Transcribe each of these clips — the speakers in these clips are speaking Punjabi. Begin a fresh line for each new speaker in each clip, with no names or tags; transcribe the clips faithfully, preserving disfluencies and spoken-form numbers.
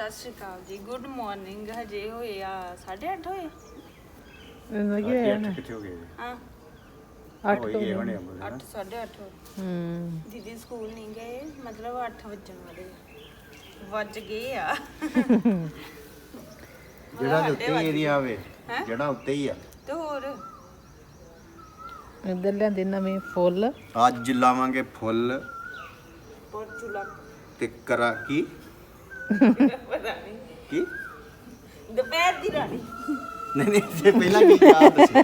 ਸਤਿ ਸ਼੍ਰੀ ਅਕਾਲ ਜੀ ਗੁੱਡ ਮਾਰਨਿੰਗ ਹਜੇ ਹੋਏ ਆ ਸਾਢੇ ਅੱਠ ਹੋਏ
ਇਹਨਾਂ ਕੀ ਹੋਇਆ ਨਾ
ਕਿੱਥੇ ਹੋ ਗਏ
ਹਾਂ
ਅੱਠ
ਹੋਈ
ਤੋਂ
ਗਏ ਹੋਣੇ ਅੰਬ
ਅੱਠ ਸਾਢੇ ਅੱਠ ਹੋਏ
ਹੂੰ
ਦੀਦੀ ਸਕੂਲ ਨਹੀਂ ਗਏ ਮਤਲਬ ਅੱਠ ਵੱਜਣ ਵਾਲੇ ਆ। ਵੱਜ ਗਏ ਆ
ਜਿਹੜਾ ਦੇ ਉੱਤੇ ਏਰੀਆ ਆਵੇ ਜਿਹੜਾ ਉੱਤੇ ਹੀ ਆ
ਤੇ ਹੋਰ
ਇੱਧਰ ਲਿਆਂਦੇ ਨਵੇਂ ਫੁੱਲ
ਅੱਜ ਲਾਵਾਂਗੇ ਫੁੱਲ
ਪੋਰਚੂਲਾ
ਤੇ ਕਰਾ ਕੀ
ਪਤਾ ਨਹੀਂ
ਕੀ
ਦੁਪਹਿਰ ਦੀ ਰਾਣੀ
ਨਹੀਂ ਨਹੀਂ ਜੇ ਪਹਿਲਾਂ ਕੀ ਕਹਾ ਦੱਸੋ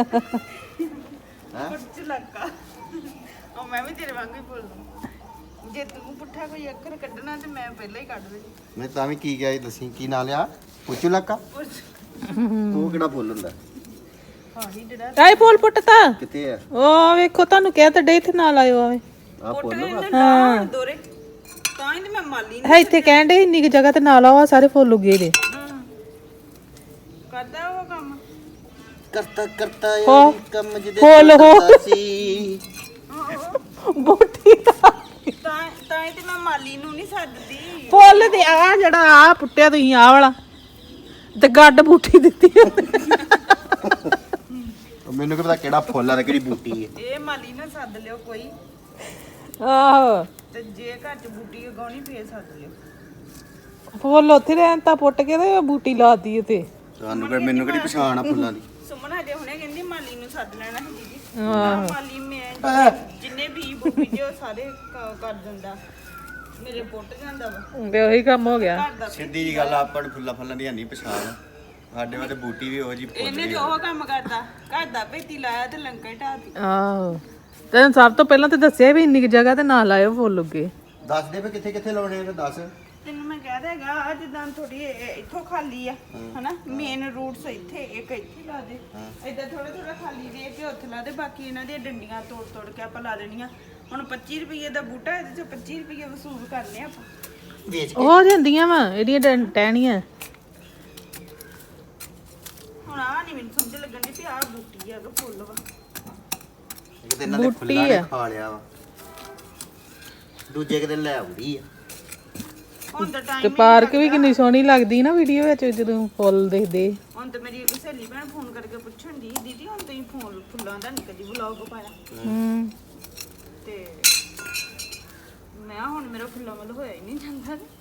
ਪੋਰਚੂਲਾ ਉਹ ਮੈਂ ਵੀ ਤੇਰੇ ਵਾਂਗੂ ਹੀ ਬੋਲਦਾ ਜੇ ਤੂੰ ਪੁੱਠਾ ਕੋਈ ਅੱਖਰ ਕੱਢਣਾ ਤੇ ਮੈਂ ਪਹਿਲਾਂ ਹੀ ਕੱਢ ਦੇਣੀ
ਮੈਂ ਤਾਂ ਵੀ ਕੀ ਗਿਆ ਦੱਸੀ ਕੀ ਨਾਂ ਲਿਆ ਪੁੱਛੂ ਲੱਕਾ ਉਹ ਕਿਹੜਾ ਫੁੱਲ ਹੁੰਦਾ
ਹਾਂ ਹੀ ਜਿਹੜਾ
ਆਈ ਫੁੱਲ ਪੁੱਟਤਾ
ਕਿੱਥੇ ਆ
ਉਹ ਵੇਖੋ ਤੁਹਾਨੂੰ ਕਿਹਾ ਤਾਂ ਡੇ ਇੱਥੇ ਨਾਲ ਆਇਓ ਆਵੇ
ਆ
ਪੁੱਟ
ਫੁੱਲ ਵਾ।
ਹਾਂ ਦੋਰੇ ਤਾਂ ਹੀ ਤੇ ਮੈਂ ਮਾਲੀ
ਹੈ ਇੱਥੇ ਕਹਿਣ ਡੇ ਇੰਨੀ ਕੁ ਜਗ੍ਹਾ ਤੇ ਨਾਲ ਆਓ ਆਹ ਸਾਰੇ ਫੁੱਲ ਉੱਗੇ ਦੇ
ਕਰਦਾ ਉਹ ਕੰਮ
ਕਰਤਾ ਕਰਤਾ
ਹੋ।
ਯਾਰ ਕੰਮ ਜਿਹਦੇ
ਫੁੱਲ ਹੋ।
ਕਰਦਾ ਸੀ
ਬੋਟੀ ਦਾ
ਤਾਂ ਤਾਂ ਹੀ ਤੇ ਮੈਂ ਮਾਲੀ ਨੂੰ ਨਹੀਂ ਸੱਦਦੀ
ਫੁੱਲ ਤੇ ਆ ਜਿਹੜਾ ਆ ਪੁੱਟਿਆ ਤੁਸੀਂ ਆ ਵਾਲਾ ਤੇ ਗੱਡ ਬੂਟੀ ਦਿੱਤੀ
ਮੈਨੂੰ ਕੀ ਪਤਾ ਕਿਹੜਾ ਫੁੱਲ ਆ ਤੇ ਕਿਹੜੀ ਬੂਟੀ ਹੈ
ਇਹ ਮਾਲੀ ਨਾ ਸੱਦ ਲਿਓ ਕੋਈ
ਆਹੋ
ਤੇ ਜੇ ਘਰ ਚ ਬੂਟੀ ਉਗਾਉਣੀ ਫੇਰ ਸੱਦ ਲਿਓ
ਫੁੱਲ ਉੱਥੇ ਰਹਿਣ ਤਾਂ ਪੁੱਟ ਕੇ ਤੇ ਬੂਟੀ ਲਾਤੀ ਉਤੇ
ਤੁਹਾਨੂੰ ਕਿ ਮੈਨੂੰ ਕਿਹੜੀ ਪਛਾਣ ਆ ਫੁੱਲਾਂ ਦੀ
ਸੁਮਨ ਹਜੇ ਹੁਣੇ ਕਹਿੰਦੀ ਮਾਲੀ ਨੂੰ ਸੱਦ ਲੈਣਾ ਸੀ ਦੀਦੀ ਨਾ ਮਾਲੀ ਮੈਂ ਜਿੰਨੇ ਵੀ ਬੂਟੀ ਜੇ ਉਹ ਸਾਰੇ ਕ- ਕਰ ਦਿੰਦਾ ਮੇਰੇ ਪੁੱਟ ਜਾਂਦਾ ਵਾ
ਤੇ ਉਹੀ ਕੰਮ ਹੋ ਗਿਆ
ਘਰ ਦਾ
ਸਿੱਧੀ ਜੀ ਗੱਲ ਆ, ਆਪਾਂ ਨੂੰ ਫੁੱਲਾਂ ਫੁੱਲਾਂ ਦੀ ਨਹੀਂ ਪਛਾਣ ਸਾਡੇ ਵਾਸਤੇ ਬੂਟੀ ਵੀ ਉਹੋ ਜੀ ਫੁੱਲ
ਇਹਨੇ ਤੇ ਉਹ ਕੰਮ ਕਰਦਾ ਘਰ ਦਾ ਭੇਤੀ ਲਾਇਆ ਤੇ ਲੰਕਾ ਹੀ ਢਾਤੀ
ਆਹੋ ਤੈਨੂੰ ਸਭ ਤੋਂ ਪਹਿਲਾਂ ਤੇ ਦੱਸਿਆ ਵੀ ਇੰਨੀ ਕੁ ਜਗ੍ਹਾ ਤੇ ਨਾ ਲਾਇਓ ਫੁੱਲ ਉੱਗੇ
ਦੱਸ ਦੇ ਵੀ ਕਿੱਥੇ ਕਿੱਥੇ ਲਾਉਣੇ ਆ ਤੇ ਦੱਸ
ਤੈਨੂੰ ਮੈਂ ਕਹਿ ਦੇਗਾ ਜਿੱਦਾਂ ਥੋੜੀ ਇੱਥੋਂ ਖਾਲੀ ਆ ਹਨਾ ਮੇਨ ਰੂਟਸ ਇੱਥੇ ਇੱਕ ਇੱਥੇ ਲਾ ਦੇ ਏਦਾਂ ਥੋੜਾ ਥੋੜਾ ਖਾਲੀ ਦੇ ਕੇ ਉੱਥੇ ਲਾ ਦੇ ਬਾਕੀ ਇਹਨਾਂ ਦੀਆਂ ਡੰਡੀਆਂ ਤੋੜ ਤੋੜ ਕੇ ਆਪਾਂ ਲਾ ਦੇਣੀਆਂ ਹੁਣ ਪੱਚੀ ਰੁਪਏ ਦਾ ਬੂਟਾ ਇਹਦੇ ਚੋਂ ਪੱਚੀ ਰੁਪਏ ਵਸੂਲ ਕਰਨੇ ਆਪਾਂ
ਵੇਚ
ਹੋ ਜਾਂਦੀਆਂ ਵਾ ਇਹਦੀਆਂ ਡੰ- ਟਹਿਣੀਆਂ
ਹੁਣ ਆ ਨਹੀਂ ਮੈਨੂੰ ਸਮਝ ਲੱਗਣ ਦੀ ਵੀ ਆਹ ਬੂਟੀ ਆ ਕਿ ਫੁੱਲ ਵਾ
ਇੱਕ ਦਿਨ ਇਹਨਾਂ ਦੇ ਫੁੱਲਾਂ ਨੇ ਖਾ ਲਿਆ ਵਾ ਦੂਜੇ ਦਿਨ ਲੈ ਆਉਂਦੀ ਆ
ਹੁਣ ਤਾਂ
ਤੇ
ਟਾਈਮ
ਪਾਰਕ ਵੀ ਕਿੰਨੀ ਸੋਹਣੀ ਲੱਗਦੀ ਨਾ ਵੀਡੀਓ ਵਿੱਚ ਜਦੋਂ ਫੁੱਲ ਦੇਖਦੇ
ਹੁਣ ਤਾਂ ਮੇਰੀ ਇੱਕ ਸਹੇਲੀ ਭੈਣ ਫੋਨ ਕਰਕੇ ਪੁੱਛਣ ਦੀ ਦੀਦੀ ਹੁਣ ਤੁਸੀਂ ਫੋਨ ਫੁੱਲਾਂ ਦਾ ਨਹੀਂ ਕਦੀ ਵਲੌਗ ਪਾਇਆ
ਹੂੰ
ਤੇ ਮੈਂ ਕਿਹਾ ਹੁਣ ਮੇਰਾ ਫੁੱਲਾਂ ਵੱਲ ਹੋਇਆ ਹੀ ਨਹੀਂ ਜਾਂਦਾ ਤੇ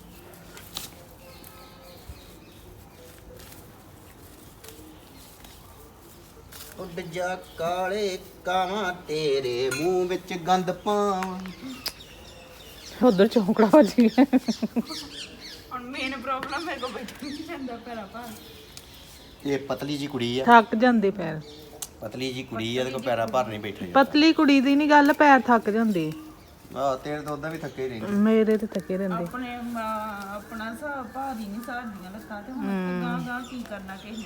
ਉੱਡ ਜਾ ਕਾਲੇ ਕਾਵਾਂ ਤੇਰੇ ਮੂੰਹ ਵਿੱਚ ਗੰਦ ਪਾਵਾਂ
ਉਧਰ ਚੌਂਕੜਾ ਵੱਜ ਗਿਆ
ਹੁਣ ਮੇਨ ਪ੍ਰੋਬਲਮ ਮੇਰੇ ਕੋਲ ਬੈਠ ਨਹੀਂ ਜਾਂਦਾ ਪੈਰਾ ਭਾਰ
ਇਹ ਪਤਲੀ ਜੀ ਕੁੜੀ ਆ
ਥੱਕ ਜਾਂਦੇ ਪੈਰ
ਪਤਲੀ ਜੀ ਕੁੜੀ ਆ ਇਹਦੇ ਕੋਲ ਪੈਰਾਂ ਭਰ ਨਹੀਂ ਬੈਠਾ ਜਾਂਦਾ
ਪਤਲੀ ਕੁੜੀ ਦੀ ਨਹੀਂ ਗੱਲ ਪੈਰ ਥੱਕ ਜਾਂਦੇ
ਆਹ ਤੇਰੇ ਤਾਂ ਉਦਾਂ ਵੀ ਥੱਕੇ ਹੀ ਰਹਿੰਦੇ
ਮੇਰੇ ਤੇ ਥੱਕੇ ਰਹਿੰਦੇ
ਆਪਣੇ ਅਮ, ਆਪਣਾ ਹਿਸਾਬ ਭਾਰੀ ਨਹੀਂ ਸਾਡੀਆਂ ਲੱਤਾਂ ਤੇ ਹੁਣ ਗਾਂ ਗਾਂ ਕੀ ਕਰਨਾ ਕਿਸੇ ਨੇ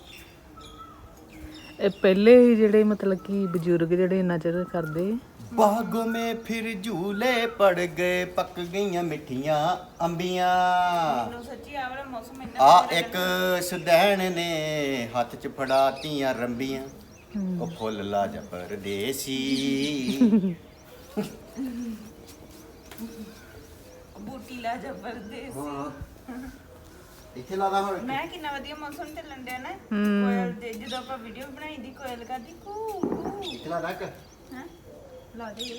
ਇਹ ਪਹਿਲੇ ਹੀ ਜਿਹੜੇ ਮਤਲਬ ਕਿ ਬਜ਼ੁਰਗ ਜਿਹੜੇ ਇੰਨਾ ਚਿਰ ਕਰਦੇ
ਬਾਗੋਂ ਮੇ ਫਿਰ ਝੂਲੇ ਪੜ ਗਏ ਪੱਕ ਗਈਆਂ ਮਿੱਠੀਆਂ ਅੰਬੀਆਂ
ਮੈਨੂੰ ਸੱਚੀ ਆ ਵਾਲਾ ਮੌਸਮ ਇੰਨਾ
ਆ ਇੱਕ ਸੁਦੈਣ ਨੇ ਹੱਥ 'ਚ ਫੜਾਤੀਆਂ ਰੰਬੀਆਂ ਉਹ ਫੁੱਲ ਲਾਜ ਪਰਦੇਸੀ
ਬੂਟੀ ਲਾ ਜ਼ਬਰਦਸਤ
ਇੱਥੇ ਲਾਦਾ ਹੁਣ
ਮੈਂ ਕਿੰਨਾ ਵਧੀਆ ਮੌਸਮ ਚੱਲਣ ਡਿਆ ਨਾ ਕੋਇਲ ਦੇ ਜਦੋਂ ਆਪਾਂ ਵੀਡੀਓ ਬਣਾਈ ਦੀ ਕੋਇਲ ਕਰਦੀ ਕੂ ਕੂ
ਇੱਥੇ ਲਾਦਾ ਕਿ
ਹੈ ਲਾ ਦੇ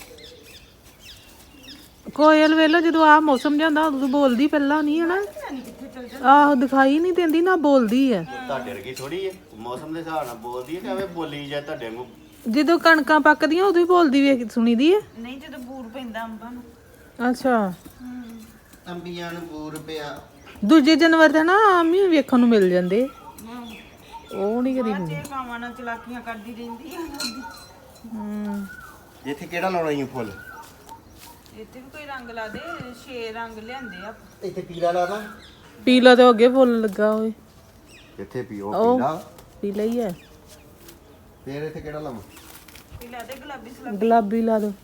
ਕੋਇਲ ਵੇਲੋ ਜਦੋਂ ਆ ਮੌਸਮ ਜਾਂਦਾ ਉਦੋਂ ਬੋਲਦੀ ਪਹਿਲਾਂ ਨਹੀਂ ਹਨਾ
ਨਹੀਂ ਕਿੱਥੇ ਚੱਲ ਜਾ
ਆਹੋ ਦਿਖਾਈ ਨਹੀਂ ਦਿੰਦੀ ਨਾ ਬੋਲਦੀ ਆ
ਤੁਹਾਡੇ ਵਰਗੀ ਥੋੜੀ ਹੈ ਮੌਸਮ ਦੇ ਹਿਸਾਬ ਨਾਲ ਬੋਲਦੀ ਹੈ ਕਿ ਐਵੇਂ ਬੋਲੀ ਜਾਂ ਤੁਹਾਡੇ ਨੂੰ
ਜਦੋਂ ਕਣਕਾਂ ਪੱਕਦੀਆਂ ਉਦੋਂ ਹੀ ਬੋਲਦੀ ਵੇਖ ਸੁਣੀਦੀ ਆ
ਨਹੀਂ ਜਦੋਂ ਬੂਰ ਪੈਂਦਾ ਅੰਬਾਂ ਨੂੰ
ਅੱਛਾ
ਅੰਬੀਆਂ ਨੂੰ ਪੂਰ ਪਿਆ
ਦੂਜੇ ਜਾਨਵਰ ਤਾਂ ਨਾ ਆਮ ਹੀ ਵੇਖਣ ਨੂੰ ਮਿਲ ਜਾਂਦੇ ਉਹ ਨਹੀਂ ਕਦੀ
ਜੇ ਕਾਵਾਂ ਨਾਲ ਚਲਾਕੀਆਂ ਕਰਦੀ ਰਹਿੰਦੀ ਆ
ਹੂੰ
ਇੱਥੇ ਕਿਹੜਾ ਲਾਉਣਾ ਹੀ ਫੁੱਲ
ਇੱਥੇ ਵੀ ਕੋਈ ਰੰਗ ਲਾ ਦੇ ਛੇ ਰੰਗ ਲਿਆਂਦੇ ਆ
ਇੱਥੇ ਪੀਲਾ ਲਾਦਾ
ਪੀਲਾ ਤੇ ਅੱਗੇ ਫੁੱਲ ਲੱਗਾ ਹੋਏ
ਇੱਥੇ ਪੀਓ
ਉਹ
ਪੀਲਾ
ਪੀਲਾ ਹੀ ਹੈ
ਫੇਰ ਇੱਥੇ ਕਿਹੜਾ ਲਾਵਾਂ
ਵੀ ਲਾ ਦੇ ਗੁਲਾਬੀ ਸਲਾਬੀ
ਗੁਲਾਬੀ ਲਾ ਦੋ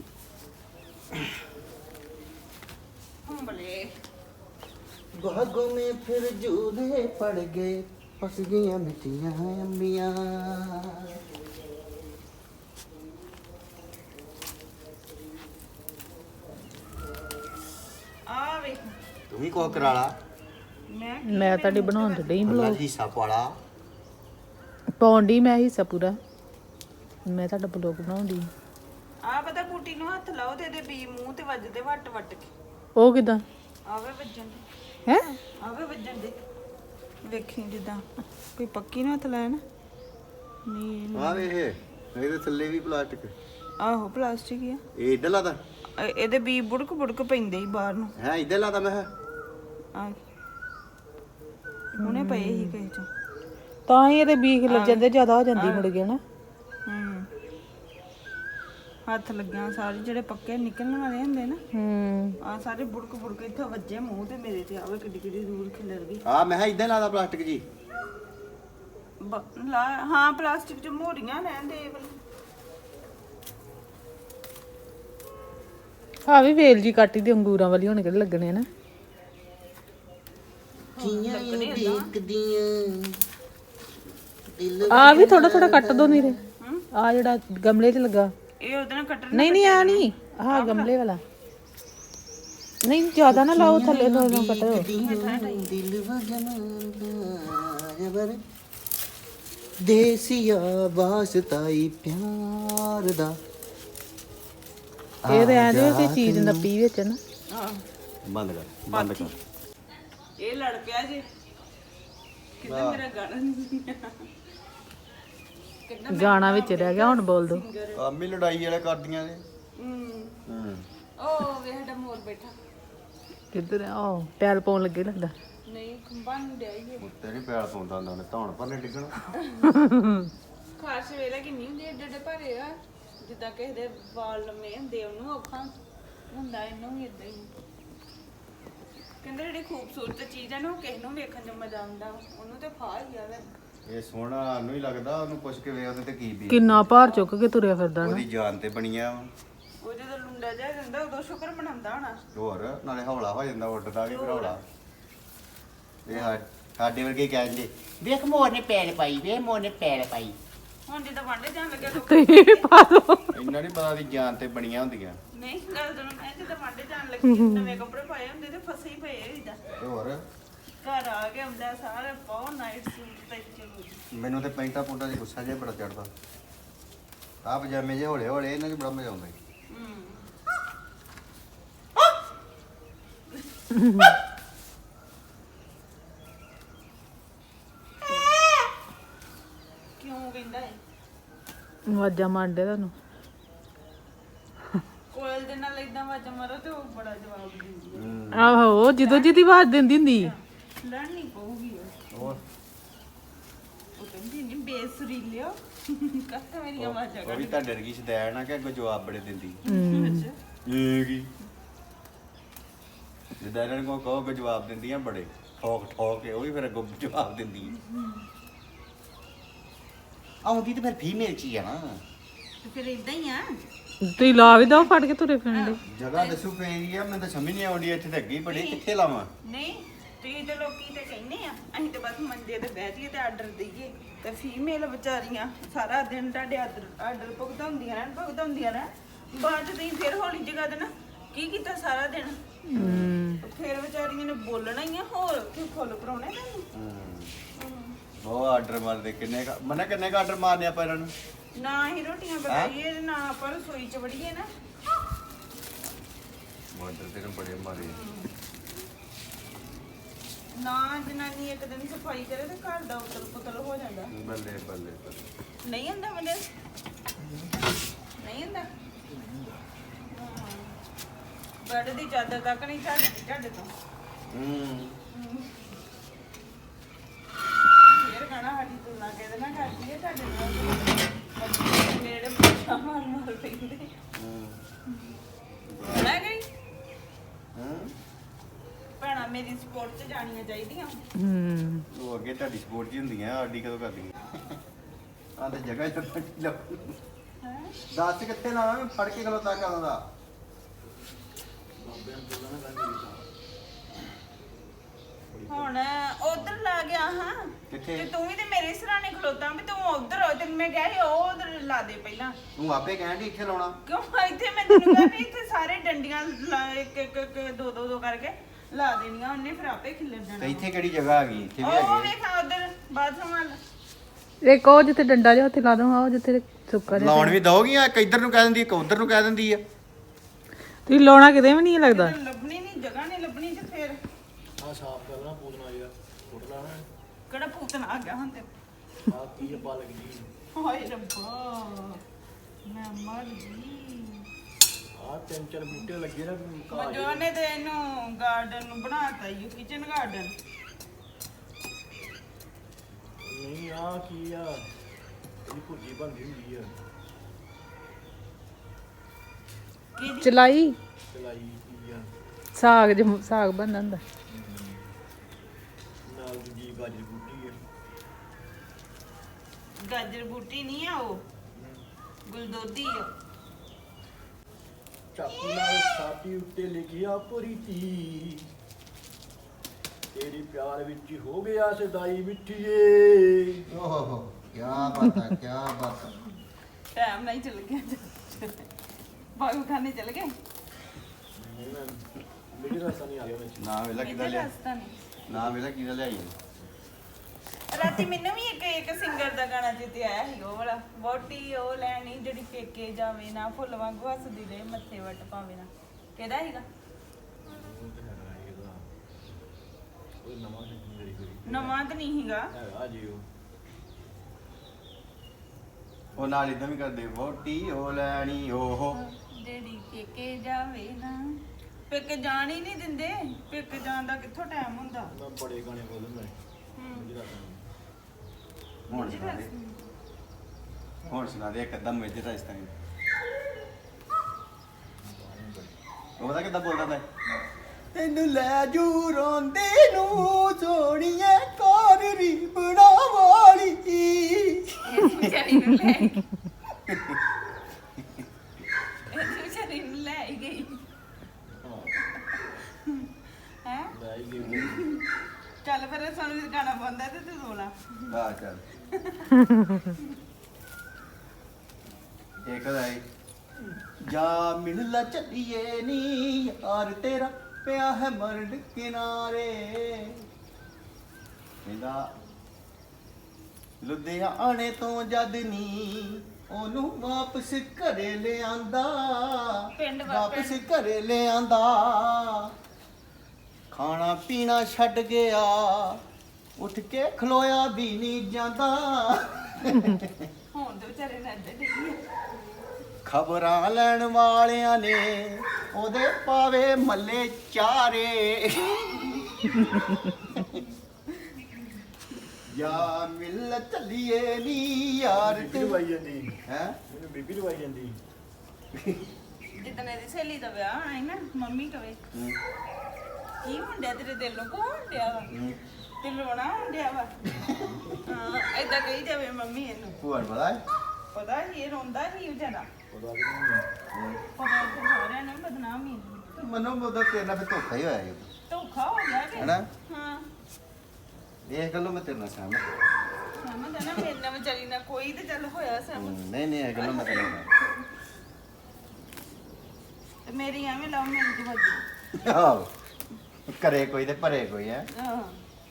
ਹੁੰਬਲੇ
ਬਾਗੋਂ ਮੇ ਫਿਰ ਝੂਲੇ ਪੜ ਗਏ ਪੱਕ ਗਈਆਂ ਮਿੱਠੀਆਂ ਅੰਬੀਆਂ
ਆ ਵੇਖ
ਤੂੰ ਵੀ ਕੋ ਕਰਾ ਲਾ
ਮੈਂ
ਮੈਂ ਤੁਹਾਡੀ ਬਣਾਉਣ ਤੇ ਡਈ
ਬਲੌਗ ਹਿੱਸਾ ਪਾਲਾ
ਪਾਉਣ ਡਈ ਮੈਂ ਹਿੱਸਾ ਪੂਰਾ ਮੈਂ ਤੁਹਾਡਾ ਬਲੌਗ ਬਣਾਉਂਦੀ
ਆ ਪਤਾ ਬੂਟੀ ਨੂੰ ਹੱਥ ਲਾਓ ਤੇ ਇਹਦੇ ਬੀ ਮੂੰਹ ਤੇ ਵੱਜਦੇ ਵੱਟ ਵੱਟ ਕੇ
ਉਹ ਕਿਦਾਂ
ਆਵੇ ਵੱਜਣ ਦੇ
ਹੈ
ਆਵੇ ਵੱਜਣ ਦੇ ਵੇਖੀ ਜਿੱਦਾਂ ਕੋਈ ਪੱਕੀ ਨੂੰ ਹੱਥ ਲਾਇਆ ਨਾ ਨਹੀਂ
ਆ ਵੇ ਇਹ ਇਹਦੇ ਥੱਲੇ ਵੀ ਪਲਾਸਟਿਕ
ਆਹੋ ਪਲਾਸਟਿਕ ਹੀ ਆ
ਇਹ ਇੱਧਰ ਲਾਦਾ
ਇਹ- ਇਹਦੇ ਬੀ ਬੁੜਕ ਬੁੜਕ ਪੈਂਦੇ ਹੀ ਬਾਹਰ ਨੂੰ
ਹੈ ਇੱਧਰ ਲਾਦਾ ਮੈਂ ਕਿਹਾ।
ਆ ਹੁਣੇ ਪਏ ਹੀ ਕਹੇ ਚੋਂ
ਤਾਂ ਹੀ ਇਹਦੇ ਬੀਖ ਲੱਗ ਜਾਂਦੇ ਜ਼ਿਆਦਾ ਹੋ ਜਾਂਦੀ ਮੁੜ ਕੇ ਨਾ
ਹੂੰ ਹੱਥ ਲੱਗਿਆ ਸਾਰੇ ਜਿਹੜੇ ਪੱਕੇ ਨਿਕਲਣ ਵਾਲੇ ਹੁੰਦੇ ਨਾ
ਹੂੰ
ਆ ਸਾਰੇ ਬੁੜਕ ਬੁੜਕ ਇੱਥੇ ਵੱਜੇ ਮੂੰਹ ਤੇ ਮੇਰੇ ਤੇ ਆਵੇ ਕਿੱਡੀ ਕਿੱਡੀ ਦੂਰ ਖਿਲਰ ਗਈ
ਆ ਮੈਂ ਕਿਹਾ ਇੱਧਰ ਲਾਦਾ ਪਲਾਸਟਿਕ ਜੀ
ਬ- ਲਾ ਹਾਂ ਪਲਾਸਟਿਕ ਚ ਮੋਰੀਆਂ ਰਹਿੰਦੇ ਇਹ ਵਾਲੀ
ਆ ਵੀ ਵੇਲ ਜੀ ਕਾਟੀ ਦੀ ਅੰਗੂਰਾਂ ਵਾਲੀ ਹੁਣ ਕਿਹੜੇ ਲੱਗਣੇ ਨਾ ਆ ਵੀ ਥੋੜਾ ਥੋੜਾ ਕੱਟ ਦੋ ਨੀਰੇ ਆ ਜਿਹੜਾ ਗਮਲੇ 'ਚ ਲੱਗਾ
ਇਹ ਉਹਦੇ ਨਾਲ ਕੱਟਣ
ਨਹੀਂ ਨਹੀਂ ਆ ਨਹੀਂ ਆਹ ਗਮਲੇ ਵਾਲਾ ਨਹੀਂ ਜ਼ਿਆਦਾ ਨਾ ਲਾਓ ਥੱਲੇ ਤੋਂ ਨਾ ਕੱਟੋ
ਦਿਲ ਵਜਨ ਦੇਸੀਆ ਵਾਸਤਾਈ ਪਿਆਰ ਦਾ
ਇਹ ਰਹਿਣ ਦਿਓ ਕਿ ਚੀਜ਼ ਨੱਪੀ ਵਿੱਚ ਨਾ
ਹਾਂ
ਬੰਦ ਕਰ ਬੰਦ ਕਰ
ਇਹ ਲੜ ਪਿਆ ਜੀ ਕਿੰਨਾ ਮੇਰਾ ਗਾਣਾ ਕਿੰਨਾ
ਗਾਣਾ ਵਿੱਚ ਰਹਿ ਗਿਆ ਹੁਣ ਬੋਲ ਦੋ
ਕੰਮ ਹੀ ਲੜਾਈ ਵਾਲੇ ਕਰਦੀਆਂ ਨੇ
ਹੂੰ
ਹੂੰ
ਉਹ ਵੇ ਸਾਡਾ ਮੋਰ ਬੈਠਾ
ਕਿੱਧਰ ਆ ਉਹ ਪੈਲ ਪਾਉਣ ਲੱਗੇ ਲੱਗਦਾ
ਨਹੀਂ ਖੰਭਾ ਨੂੰ ਡਿਆ ਹੀ
ਉੱਤੇ ਨਹੀਂ ਪੈਲ ਪਾਉਂਦਾ ਹੁੰਦਾ ਉਹਨੇ ਧੌਣ ਭਰਨੇ ਡਿੱਗਣਾ
ਖਾਸ ਵੇਲੇ ਕਿੰਨੀ ਹੁੰਦੀ ਏਡੇ ਏਡੇ ਭਾਰੇ ਆ ਜਿੱਦਾਂ ਕਿਸੇ ਦੇ ਵਾਲ ਲੰਮੇ ਹੁੰਦੇ ਉਹਨੂੰ ਔਖਾ ਹੁੰਦਾ ਇਹਨੂੰ ਵੀ ਇਦਾਂ ਹੀ ਕਹਿੰਦੇ ਜਿਹੜੀ ਖੂਬਸੂਰਤ ਚੀਜ਼ ਹੈ ਨਾ ਉਹ ਕਿਸੇ ਨੂੰ ਵੇਖਣ 'ਚ ਮਜ਼ਾ ਆਉਂਦਾ ਉਹਨੂੰ ਤੇ ਫਾਹ ਹੀ ਆਵੇ
ਇਹ ਸੋਹਣਾ ਨੂੰ ਹੀ ਲੱਗਦਾ ਉਹਨੂੰ ਪੁੱਛ ਕੇ ਵੇ ਉਹਦੇ ਤੇ ਕੀ ਵੀ
ਕਿੰਨਾ ਭਾਰ ਚੁੱਕ ਕੇ ਤੁਰਿਆ ਫਿਰਦਾ ਨਾ
ਉਹਦੀ ਜਾਨ ਤੇ ਬਣੀਆਂ ਵਾਂ।
ਉਹ ਜਦੋਂ ਲੁੰਡਾ ਜਾ ਜਾਂਦਾ ਉਦੋਂ ਸ਼ੁਕਰ ਮਨਾਉਂਦਾ ਹੋਣਾ
ਹੋਰ ਨਾਲੇ ਹੌਲਾ ਹੋ ਜਾਂਦਾ ਉੱਡਦਾ ਵੀ ਫਿਰ ਹੌਲਾ ਇਹ ਸਾ- ਸਾਡੇ ਵਰਗੇ ਕਹਿੰਦੇ ਵੇਖ ਮੋਰ ਨੇ ਪੈਰ ਪਾਈ ਵੇ ਮੋਰ ਨੇ ਪੈਰ ਪਾਈ
ਹੁਣ ਜਿੱਦਾਂ ਵਾਂਡੇ ਜਾਣ ਲੱਗਿਆ ਲੋਕ
ਤੇ ਪਾ ਦੋ
ਇੰਨਾ ਨਹੀਂ ਪਤਾ ਵੀ ਜਾਨ ਤੇ ਬਣੀਆਂ ਹੁੰਦੀਆਂ
ਨਹੀਂ ਗੱਲ ਤੁਹਾਨੂੰ ਮੈਂ ਜਿੱਦਾਂ ਵਾਂਡੇ ਜਾਣ ਲੱਗੀ ਨਵੇਂ ਕੱਪੜੇ ਪਾਏ ਹੁੰਦੇ ਤੇ ਫਸੇ ਹੀ ਪਏ ਹੋਈਦਾ
ਤੇ ਹੋਰ
ਘਰ ਆ ਕੇ ਹੁੰਦਾ ਸਾਰੇ ਪਾਓ ਨਾਈਟ ਸੂਟ ਤੇ ਚਲੋ
ਮੈਨੂੰ ਤੇ ਪੈਂਟਾਂ ਪੁੰਟਾਂ ਦੀ ਗੁੱਸਾ ਜਿਹਾ ਬੜਾ ਚੜਦਾ ਆ ਪਜਾਮੇ ਜੇ ਹੌਲੇ ਹੌਲੇ ਇਹਨਾਂ 'ਚ ਬੜਾ ਮਜ਼ਾ ਆਉਂਦਾ ਈ।
ਕਿਉਂ ਕਹਿੰਦਾ ਹੈ
ਆਵਾਜ਼ਾਂ ਮਾਰਦੇ ਤੁਹਾਨੂੰ
ਕੋਇਲ ਦੇ ਨਾਲ ਇਦਾਂ ਵਾਜਾ ਮਾਰੋ ਤੇ ਉਹ ਬੜਾ ਜਵਾਬ ਦਿੰਦੀ ਹੈ
ਆਹੋ ਜਦੋਂ ਜਿਹਦੀ ਆਵਾਜ਼ ਦਿੰਦੀ ਹੁੰਦੀ
ਲੜਨੀ ਪਊਗੀ ਉਹ
ਹੋਰ
ਉਹ ਕਹਿੰਦੀ ਨਹੀਂ ਬੇਸੁਰੀ ਲਿਓ ਕੱਟ ਮੇਰੀ ਆਵਾਜ਼ ਆ
ਉਹ ਵੀ ਤੁਹਾਡੇ ਵਰਗੀ ਸ਼ਦੈਣ ਆ ਕਿ ਅੱਗੋਂ ਜਵਾਬ ਬੜੇ ਦਿੰਦੀ
ਅੱਛਾ
ਇਹ ਕੀ ਜਿੱਦਾਂ ਇਹਨਾਂ ਨੂੰ ਕਹੋ ਕਿ ਜਵਾਬ ਦਿੰਦੀਆਂ ਬੜੇ ਠੋਕ ਠੋਕ ਕੇ ਉਹ ਵੀ ਫਿਰ ਅੱਗੋਂ ਜਵਾਬ ਦਿੰਦੀ ਹੈ ਆਉਂਦੀ ਤੇ ਫਿਰ ਫੀਮੇਲ ਚ ਹੀ ਆ ਨਾ
ਤੇ ਫਿਰ ਇਦਾਂ ਹੀ ਆ
ਤੁਸੀਂ ਲਾ ਵੀ ਦੋ ਫੜ ਕੇ ਤੁਰੇ ਫਿਰਦੇ
ਜਗ੍ਹਾ ਦੱਸੂ ਪਈ ਆ ਮੈਨੂੰ ਤਾਂ ਸਮਝ ਨਹੀਂ ਆਉਂਦੀ ਇੱਥੇ ਤੇ ਅੱਗੇ ਹੀ ਬੜੀ ਕਿੱਥੇ ਲਾਵਾਂ
ਨਹੀਂ ਤੁਸੀਂ ਤੇ ਲੋਕੀ ਤੇ ਕਹਿੰਦੇ ਆ ਅਸੀਂ ਤੇ ਬਸ ਮੰਜੇ ਤੇ ਬਹਿ ਜਾਈਏ ਤੇ ਆਰਡਰ ਦਈਏ ਤੇ ਫੀਮੇਲ ਵਿਚਾਰੀਆਂ ਸਾਰਾ ਦਿਨ ਤੁਹਾਡੇ ਆਰਡਰ ਆਰਡਰ ਭੁਗਤਾਉਂਦੀਆਂ ਰਹਿਣ ਭੁਗਤਾਉਂਦੀਆਂ ਰਹਿਣ ਬਾਅਦ ਚ ਤੁਸੀਂ ਫਿਰ ਹੌਲੀ ਜਗਾ ਦੇਣਾ ਕੀ ਕੀਤਾ ਸਾਰਾ ਦਿਨ
ਹੂੰ
ਫਿਰ ਵਿਚਾਰੀਆਂ ਨੇ ਬੋਲਣਾ ਹੀ ਆ ਹੋਰ ਕਿ ਫੁੱਲ ਭਰਾਉਣੇ ਤੁਹਾਨੂੰ
ਉਹ ਆਰਡਰ ਮਾਰਦੇ ਕਿੰਨੇ ਕੁ- ਮਨੇ ਕਿੰਨੇ ਕ ਆਰਡਰ ਮਾਰਨੇ ਆਪਾਂ ਇਹਨਾਂ ਨੂੰ
ਨਾ ਹੀ ਰੋਟੀਆਂ ਪਕਾਈਏ ਤੇ ਨਾ ਆਪਾਂ ਰਸੋਈ ਚ ਵੜੀਏ ਨਾ
ਆਰਡਰ ਤੇ ਨੂੰ ਬੜੇ ਮਾਰੇ
ਨਾ ਜਨਾਨੀ ਇੱਕ ਦਿਨ ਸਫਾਈ ਕਰੇ ਤੇ ਘਰ ਦਾ ਉਤਲ ਪੁਤਲ ਹੋ ਜਾਂਦਾ
ਬੱਲੇ ਬੱਲੇ ਬੱਲੇ
ਨਹੀਂ ਹੁੰਦਾ ਬੰਦੇ ਨਹੀਂ ਹੁੰਦਾ ਬੈੱਡ ਦੀ ਚਾਦਰ ਤੱਕ ਨਹੀਂ ਛੱਡਦੀ ਢੱਡ ਤੋਂ
ਹੂੰ
ਫੇਰ ਕਹਣਾ ਸਾਡੀ ਤੁਲਨਾ ਕਿਹਦੇ ਨਾਲ ਕਰਦੀ ਹੈ ਤੁਹਾਡੇ ਨਾਲ ਮੇਰੇ ਪੁੱਛਾ ਮਾਰ ਮਾਰ ਪੈਂਦੇ ਲੈ ਗਈ
ਹੂੰ
ਭੈਣਾਂ ਮੇਰੀ ਸਪੋਰਟ 'ਚ ਜਾਣੀਆਂ ਚਾਹੀਦੀਆਂ
ਹੂੰ
ਉਹ ਅੱਗੇ ਤੁਹਾਡੀ ਸਪੋਰਟ ਜੀ ਹੁੰਦੀਆਂ ਆਡੀ ਕਦੋਂ ਕਰਦੀਆਂ ਆ ਤੇ ਜਗ੍ਹਾ ਹੀ ਤਾਂ ਲੱਗ
ਹੈਂ?
ਦੱਸ ਕਿੱਥੇ ਲਾਵਾਂ ਮੈਂ ਫੜ ਕੇ ਖਲੋਤਾ ਕਰਾਂ ਦਾ
ਹੁਣ ਉਧਰ ਲਾ ਗਿਆ ਹਾਂ
ਕਿੱਥੇ?
ਤੇ ਤੂੰ ਵੀ ਤੇ ਮੇਰੇ ਸਰਾਣੇ ਖਲੋਤਾ ਵੀ ਤੂੰ ਉਧਰ ਹੋ ਤੇ ਮੈਂ ਕਿਹਾ ਸੀ ਉਹ ਉਧਰ ਲਾ ਦੇ ਪਹਿਲਾਂ
ਤੂੰ ਆਪੇ ਕਹਿਣ ਦੀ ਇੱਥੇ ਲਾਉਣਾ
ਕਿਉਂ ਇੱਥੇ ਮੈਂ ਤੈਨੂੰ ਕਿਹਾ ਵੀ ਇੱਥੇ ਸਾਰੇ ਡੰਡੀਆਂ ਲਾ- ਇੱਕ ਇੱਕ ਇੱਕ ਦੋ ਦੋ ਦੋ ਕਰਕੇ ਲਾ ਦੇਣੀਆਂ ਉਹਨੇ ਫਿਰ ਆਪੇ ਖਿਲਰ
ਤੇ
ਜਾਣਾ
ਇੱਥੇ ਕਿਹੜੀ ਜਗ੍ਹਾ ਆ ਗਈ ਇੱਥੇ ਵੀ
ਉਹ
ਹੈਗੇ
ਵੇਖਾ ਉਧਰ ਬਾਥਰੂਮ ਵੱਲ
ਇੱਕ ਉਹ ਜਿੱਥੇ ਡੰਡਾ ਜਿਹਾ ਉੱਥੇ ਲਾ ਦੂੰਗਾ ਉਹ ਜਿੱਥੇ ਸੁੱਕਾ ਜਿਹਾ
ਲਾਉਣ ਵੀ ਦੋਗੀਆਂ ਇੱਕ ਇੱਧਰ ਨੂੰ ਕਹਿ ਦਿੰਦੀ ਇੱਕ ਉੱਧਰ ਨੂੰ ਕਹਿ ਦਿੰਦੀ ਆ
ਤੁਸੀਂ ਲਾਉਣਾ ਕਿਤੇ ਵੀ ਨਹੀਂ ਲੱਗਦਾ
ਕਿਤੇ ਲੱਭਣੀ ਨਹੀਂ ਜਗ੍ਹਾ ਨਹੀਂ ਲੱਭਣੀ ਤੇ ਫਿਰ
ਆ ਸਾਫ ਕਰਨਾ ਪੂਤਨਾ ਜਿਹਾ ਫੁੱਟ ਲਾਣਾ
ਕਿਹੜਾ ਭੂਤਨਾ ਆ ਗਿਆ ਹੁਣ ਤੇ
ਆ ਕੀ ਪਾ ਲੱਗਦੀ
ਹਾਏ ਰੱਬਾ ਮੈਂ ਮਰ ਗਈ
ਆ ਤਿੰਨ ਚਾਰ ਬੂਟੇ ਲੱਗੇ ਨਾ ਘਾਹ
ਮਜੋ ਨੇ ਤੇ ਇਹਨੂੰ ਗਾਰਡਨ ਨੂੰ ਬਣਾਤਾ ਯੂ ਕਿਚਨ ਗਾਰਡਨ
ਨਹੀਂ ਆ ਕੀ ਆ ਇਹ ਭੁੱਜੀ ਬਣਦੀ ਹੁੰਦੀ ਆ
ਕੀ
ਚਲਾਈ
ਚਲਾਈ ਕੀ ਆ
ਸਾਗ ਜਿਹਾ ਸਾਗ ਬਣਦਾ ਹੁੰਦਾ
ਨਾਲ ਦੂਜੀ ਗਾਜਰ ਬੂਟੀ ਆ
ਗਾਜਰ ਬੂਟੀ ਨਹੀਂ ਆ ਉਹ ਗੁਲਦੋਦੀ ਆ
ਚਾਕੂ ਨਾਲ ਸਾਡੀ ਉੱਤੇ ਲਿਖਿਆ ਪ੍ਰੀਤੀ ਤੇਰੀ ਪਿਆਰ ਵਿੱਚ ਹੋ ਗਿਆ ਸਦਾਈ ਮਿੱਠੀਏ
ਓਹੋ ਕੀ ਬਾਤ ਆ ਕੀ ਬਾਤ ਆ
ਟਾਈਮ ਨਹੀਂ ਚੱਲ ਗਿਆ ਬਾਗੂ ਖਾਨੇ ਚਲ ਗਏ
ਨਹੀਂ ਮੈਂ ਮੇਰੇ ਰਸਤਾ ਨਹੀਂ ਆ ਗਿਆ ਵਿੱਚ
ਨਾ ਵੇਲਾ ਕਿਦਾਂ
ਕਿਹਦਾ
ਲਿਆ
ਰਸਤਾ ਨਹੀਂ
ਨਾ ਵੇਲਾ ਕਿਦਾਂ ਲਿਆਈ
ਰਾਤੀ ਮੈਨੂੰ ਵੀ ਇੱਕ ਇੱਕ ਸਿੰਗਰ ਦਾ ਗਾਣਾ ਜਿੱਤੇ ਆਇਆ ਸੀ ਉਹ ਵਾਲਾ ਵੋਟੀ ਉਹ ਲੈਣੀ ਜਿਹੜੀ ਪੇਕੇ ਜਾਵੇ ਨਾ ਫੁੱਲ ਵਾਂਗੂ ਹੱਸਦੀ ਰਹੇ ਮੱਥੇ ਵੱਟ ਪਾਵੇ ਨਾ ਕਿਹਦਾ ਸੀਗਾ
ਉਹ ਤੇ ਹੈਗਾ ਇਹਦਾ ਉਹ ਨਵਾਂ ਨਹੀਂ ਮੇਰੀ ਕੋਈ
ਨਵਾਂ ਤਾਂ ਨਹੀਂ ਸੀਗਾ
ਹੈਗਾ ਜੀ ਉਹ
ਉਹ ਨਾਲ ਇਦਾਂ ਵੀ ਕਰਦੇ ਵੋਟੀ ਉਹ ਲੈਣੀ ਓਹੋ
ਜਿਹੜੀ ਪੇਕੇ ਜਾਵੇ ਨਾ ਪੇਕੇ ਜਾਣ ਹੀ ਨਹੀਂ ਦਿੰਦੇ ਪੇਕੇ ਜਾਣ ਦਾ ਕਿੱਥੋਂ ਟਾਈਮ ਹੁੰਦਾ
ਮੈਂ ਬੜੇ ਗਾਣੇ ਬੋਲਦਾ
ਹੂੰ
ਮੇਰੀ ਰਸਤਾ
ਹੁਣ ਸੁਣਾ ਦੇ ਹੁਣ ਸੁਣਾ ਦੇ ਇੱਕ ਅੱਧਾ ਮੇਜੇ ਦਾ ਇਸ ਤਰ੍ਹਾਂ ਉਹਦਾ ਕਿੱਦਾਂ ਬੋਲਦਾ ਤਾ ਤੈਨੂੰ ਲੈ ਜੂ ਰੋਂਦੇ ਨੂੰ ਸੋਣੀਏ ਕੋਰੀ ਬਣਾ ਵਾਲੀ
ਇਸ ਵਿਚਾਰੀ ਨੂੰ ਲੈ ਗਈ ਇਸ ਵਿਚਾਰੀ ਨੂੰ ਲੈ ਹੀ ਗਈ ਹੈ
ਲੈ ਹੀ ਗਈ
ਚੱਲ ਫਿਰ ਸਾਨੂੰ ਵੀ ਗਾਣਾ ਪਾਉਂਦਾ ਤੇ ਤੂੰ ਰੋਲਾ
ਆ ਚੱਲ ਇੱਕ ਦਾ ਹੈ ਜਾ ਮਿਲ ਲਾ ਚੱਲੀਏ ਨੀ ਯਾਰ ਤੇਰਾ ਪਿਆ ਹੈ ਮਰਡ ਕਿਨਾਰੇ ਕਹਿੰਦਾ ਲੁਧਿਆਣੇ ਤੋਂ ਜਦ ਨੀ ਉਹਨੂੰ ਵਾਪਸ ਘਰੇ ਲਿਆਂਦਾ
ਪਿੰਡ ਵਾ-
ਵਾਪਸ ਘਰੇ ਲਿਆਂਦਾ ਖਾਣਾ ਪੀਣਾ ਛੱਡ ਗਿਆ ਉੱਠ ਕੇ ਖਲੋਇਆ ਵੀ ਨਹੀਂ ਜਾਂਦਾ
ਹੁਣ ਤੇ ਵਿਚਾਰੇ ਨੇ ਅੱਡੇ ਡਿੱਗੀ
ਖਬਰਾਂ ਲੈਣ ਵਾਲਿਆਂ ਨੇ ਉਹਦੇ ਪਾਵੇ ਮੱਲੇ ਚਾਰੇ ਯਾ ਮਿਲ ਚੱਲੀਏ ਨੀ ਯਾਰ
ਬੀਬੀ ਲਵਾਈ ਜਾਂਦੀ
ਹੈ
ਮੈਨੂੰ ਬੀਬੀ ਲਵਾਈ ਜਾਂਦੀ
ਜਿੱਦਣ ਇਹਦੀ ਸਹੇਲੀ ਦਾ ਵਿਆਹ ਹੋਣਾ ਸੀ ਨਾ ਮੰਮੀ ਕਵੇ ਕੀ ਹੁੰਦਿਆ ਤੇਰੇ ਦਿਲ ਨੂੰ ਕੋ ਹੁੰਦਿਆ ਵਾ ਤੇ ਰੋਣਾ ਹੁੰਦਿਆ ਵਾ ਹਾਂ ਏਦਾਂ ਕਹੀ ਜਾਵੇ ਮੰਮੀ ਇਹਨੂੰ
ਭੂਆ ਨੂੰ ਪਤਾ ਹੈ
ਪਤਾ ਸੀ ਇਹ ਰੋਂਦਾ ਸੀ ਵਿਚਾਰਾ
ਪਤਾ ਕਿ ਨਹੀਂ
ਪਤਾ ਤੇ ਸਾਰਿਆਂ ਨੂੰ ਬਦਨਾਮ ਹੀ
ਮਨੋਂ ਬੋਦਾ ਤੇਰੇ ਨਾਲ ਫਿਰ ਧੋਖਾ ਹੀ ਹੋਇਆ ਇਹ
ਧੋਖਾ ਹੋ ਗਿਆ ਕਿ
ਹੈਨਾ
ਹਾਂ
ਇਹ ਗੱਲੋਂ ਮੈਂ ਤੇਰੇ ਨਾਲ ਸਹਿਮਤ
ਸਮਝ ਆ ਨਾ ਮੇਰੇ ਨਾਲ ਵਿਚਾਰੀ ਨਾਲ ਕੋਈ ਤੇ ਚੱਲ ਹੋਇਆ ਸਭ
ਹਮ, ਨਹੀਂ ਨਹੀਂ ਇਹ ਗੱਲੋਂ ਮੈਂ ਤੇਰੇ ਨਾਲ
ਤੇ ਮੇਰੀ ਐਵੇਂ ਲਵ ਮੈਰਿਜ ਵੱਜੀ
ਆਹੋ ਕਰੇ ਕੋਈ ਤੇ ਭਰੇ ਕੋਈ ਹੈ
ਹਾਂ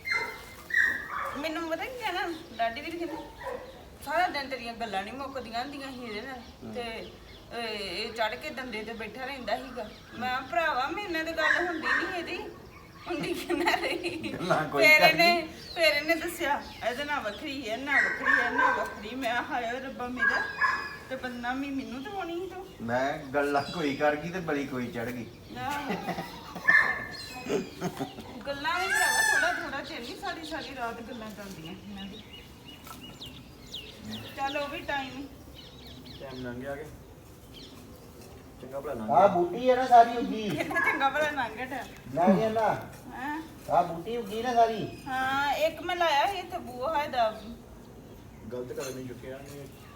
ਮੈਨੂੰ ਪਤਾ ਕੀ ਕਹਿਣਾ ਡਾਡੀ ਵੀ ਕਹਿੰਦਾ ਸਾਰਾ ਦਿਨ ਤੇਰੀਆਂ ਗੱਲਾਂ ਨਹੀਂ ਮੁੱਕਦੀਆਂ ਹੁੰਦੀਆਂ ਸੀ ਇਹਦੇ ਨਾਲ ਤੇ ਇਹ- ਇਹ ਚੜ ਕੇ ਡੰਡੇ ਤੇ ਬੈਠਾ ਰਹਿੰਦਾ ਸੀਗਾ ਮੈਂ ਕਿਹਾ, ਭਰਾਵਾ ਮੇਰੇ ਨਾਲ ਤਾਂ ਗੱਲ ਹੁੰਦੀ ਨਹੀਂ ਇਹਦੀ ਹੁੰਦੀ ਕਿੰਨਾ ਰਹੀ
ਗੱਲਾਂ ਕੋਈ
ਫਿਰ
ਕਰਦੀ।
ਇਹਨੇ ਫਿਰ ਇਹਨੇ ਦੱਸਿਆ ਇਹਦੇ ਨਾਲ ਵੱਖਰੀ ਹੈ ਨਾ ਵੱਖਰੀ ਹੈ ਨਾ ਵੱਖਰੀ ਮੈਂ ਕਿਹਾ, ਹਾਏ ਰੱਬਾ ਮੇਰਾ ਤੇ ਬਦਨਾਮੀ ਮੈਨੂੰ ਤਾਂ ਹੋਣੀ ਸੀ ਤੂੰ
ਮੈਂ ਗੱਲਾਂ ਕੋਈ ਕਰ ਗਈ ਤੇ ਬਲੀ ਕੋਈ ਚੜ ਗਈ
ਆਹੋ। ਗੱਲਾਂ ਵੀ ਭਰਾਵਾ ਥੋੜਾ ਥੋੜਾ ਚਿਰ ਨਹੀਂ ਸਾਰੀ ਸਾਰੀ ਰਾਤ ਗੱਲਾਂ ਕਰਦੀਆਂ ਇਹਨਾਂ ਦੀ ਚੱਲ ਉਹ ਵੀ ਟਾਈਮ
ਟਾਈਮ ਲੰਘ ਗਿਆ ਕਿ ਚੰਗਾ ਭਲਾ ਲੰਘ
ਆ
ਗਿਆ
ਬੂਟੀ ਹੈ ਨਾ ਸਾਰੀ ਉੱਗੀ
ਕਿੰਨਾ ਚੰਗਾ ਭਲਾ ਲੰਘ ਗਿਆ
ਨਾ ਗਿਆ ਨਾ
ਹਾਂ
ਆ ਬੂਟੀ ਉੱਗੀ ਨਾ ਸਾਰੀ
ਹਾਂ ਇੱਕ ਮੈਂ ਲਾਇਆ ਸੀ ਇੱਥੇ ਬੂਹਾ ਦਾ
ਗਲਤ ਕਦਮ ਨਹੀਂ ਚੁੱਕਿਆ ਨਹੀਂ